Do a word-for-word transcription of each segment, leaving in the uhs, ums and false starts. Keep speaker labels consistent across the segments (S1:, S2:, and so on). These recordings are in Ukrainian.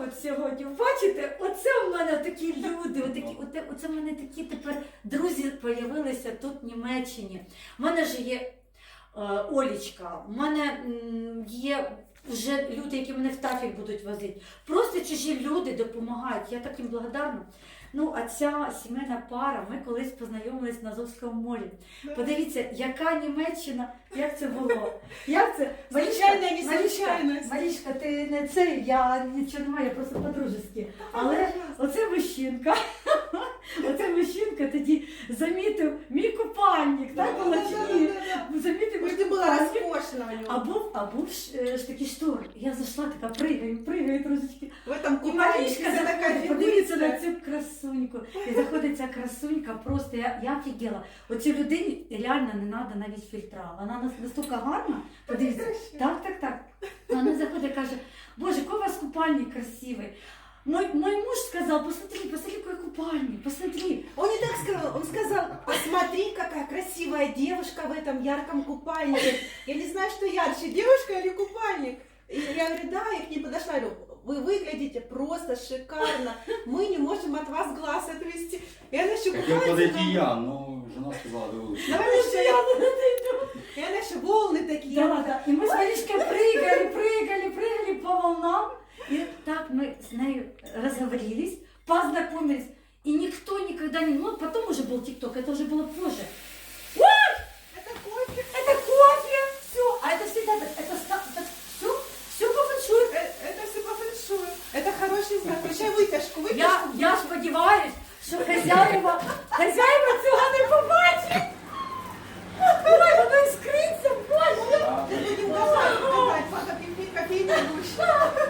S1: от сьогодні. Бачите, оце в мене такі люди, отакі, оте, оце в мене такі тепер друзі з'явилися тут в Німеччині. У мене ж є е, Олічка, у мене м, є вже люди, які мене в Тафік будуть возити. Просто чужі люди допомагають, я так їм благодарна. Ну, а ця сімейна пара, ми колись познайомились на Азовському морі. Подивіться, яка Німеччина, як це було. Як це?
S2: Звичайно, не
S1: Марічка,
S2: звичайно.
S1: Марічка, ти не цей, я нічого немає, я просто по-дружески. Але оце мужчинка, оце мужчинка тоді замітив мій купальник, так,
S2: Да,
S1: було
S2: да,
S1: чи
S2: да,
S1: ні?
S2: да, да.
S1: Замітив мій
S2: Может, ты была
S1: купальник.
S2: роскошна у него.
S1: А був, а був ж, ж такий штор. Я зайшла така, пригаю, пригаю трошечки.
S2: В этом
S1: І
S2: купальнике
S1: Марічка
S2: вся такая
S1: заходить, подивіться на
S2: фигуристая.
S1: цю красуньку. І заходить ця красунька, просто я, я офігела. Оцій людині реально не треба навіть фільтра. Вона нас- настільки гарна, подивіться. Так, так, так. Вона заходить і каже, боже, який у вас купальник красивий. Мой, мой муж сказал, посмотри, посмотри, какой купальник, посмотри.
S2: Он не так сказал, он сказал, посмотри, какая красивая девушка в этом ярком купальнике. Я не знаю, что ярче, девушка или купальник. И я говорю, да, я к ней подошла, говорю, вы выглядите просто шикарно, мы не можем от вас глаз отвести. И она еще
S3: Хотел
S2: купается
S3: подойти
S2: там.
S3: я, но жена сказала, вы лучше.
S2: Давай еще я. И она еще волны такие.
S1: Да, да. И мы с Маришкой прыгали, прыгали, прыгали по волнам. И так мы с нею разговорились, познакомились. И никто никогда не... Ну, потом уже был ТикТок, это уже было позже. Ой!
S2: Это кофе.
S1: Это кофе! Все! А это всегда... Это, это все, все по фэншую.
S2: Э, Это все по фэншую. Это хороший знак. Включай вытяжку, вытяжку.
S1: Я, я сподіваюсь, що хазяїва, хазяїва цього не побачать. Ой, воно іскриться, боже.
S3: Да.
S2: Мы будем давать, давать, пока пить кофейный душ.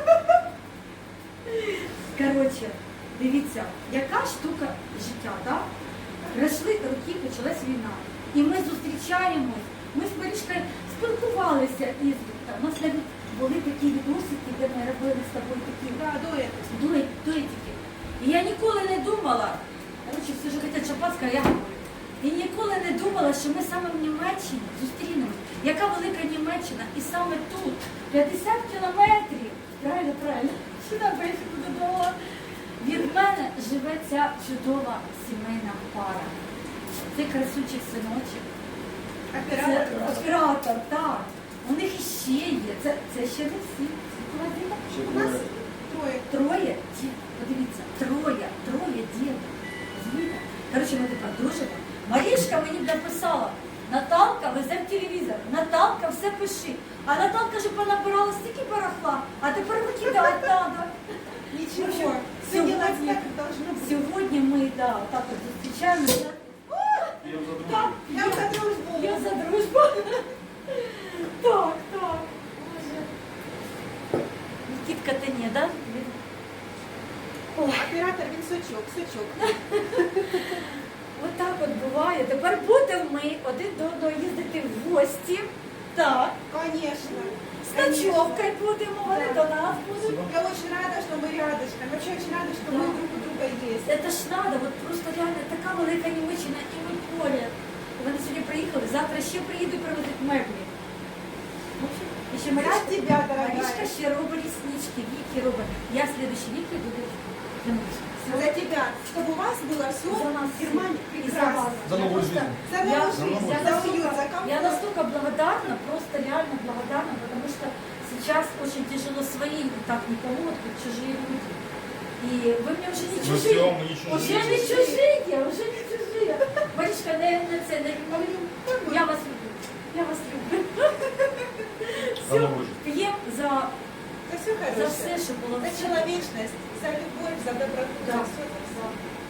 S1: Коротше, дивіться, яка штука життя, так? Пройшли роки, почалась війна. І ми зустрічаємось, ми з Марічкою спілкувалися ізредка. У нас навіть були такі відносики, де ми робили з тобою такі
S2: Да, дуэт.
S1: дует- дуетики. І я ніколи не думала, коротше, всі ж хочуть шампанське, а я говорю. І ніколи не думала, що ми саме в Німеччині зустрінемось. Яка велика Німеччина, і саме тут, п'ятдесят кілометрів, правильно, правильно, сюди поїхати додому. Від мене живе ця чудова сімейна пара. Це красучих синочок. Це
S2: Оператор.
S1: оператор, так. У них іще є. Це, це ще не всі. Це холодильник.
S3: Ще
S2: У нас
S3: двоє.
S2: трое.
S1: Троє, ді- подивіться, троє, троє дітей. Розумієте? Коротше, ми тепер дружимо. Марішка мені написала, Наталка, везе в телевізор, Наталка, все пиши. А Наталка вже понабирала стільки барахла, а тепер викидати треба.
S2: Ничего. Все
S1: Сегодня-
S2: делать так, как должно быть.
S1: Сьогодні ми, да, так от зустрічаємося.
S3: Я за другим.
S1: Так,
S2: Я за дружбу.
S1: я за дружбу. Так, так. Боже. Нікітка, ти не, да?
S2: Оператор, він сучок, сучок.
S1: Ось так от буває. Тепер будемо ми один до одного їздити в гості. Так.
S2: Конечно.
S1: З ночовкою будемо, вони до нас будуть.
S2: Я очень рада, что мы рядышком. Вообще очень рада, что мы
S1: Да.
S2: друг у друга есть.
S1: Це ж надо, от просто реально така велика Німеччина і ми поряд. Вони сьогодні приїхали, завтра ще приїдуть привезуть меблі. В общем, і ще
S2: За
S1: Марічка,
S2: тебя,
S1: Марічка
S2: дорогая.
S1: ще робить ліснички, Віки робить. Я слідуючий вік іду до Яночки.
S2: За тебя. Чтобы у вас было все
S1: За нас
S2: в Германии
S1: всіх. І за вас.
S2: прекрасно.
S3: За
S1: Я
S3: нову
S1: просто-
S3: жизнь.
S2: За
S1: Я-
S2: новую
S3: За
S2: жизнь,
S3: новую
S2: за
S1: Я
S2: уют, за
S1: настолько, я
S2: комфорт.
S1: настолько благодарна, просто реально благодарна, потому что сейчас очень тяжело свои так не помогут, как чужие люди. И вы мне уже не
S3: Мы
S1: чужие.
S3: все, мы не
S1: Уже
S3: чужие.
S1: не чужие, уже не чужие. Маричка, не, не це, не Я вас люблю. Я вас люблю.
S3: За
S1: Все,
S3: нову жизнь.
S1: п'ємо за,
S2: За все
S1: за
S2: хорошее.
S1: все, що було.
S2: За человечность, за любовь, за доброту,
S1: Да.
S2: за все, за все.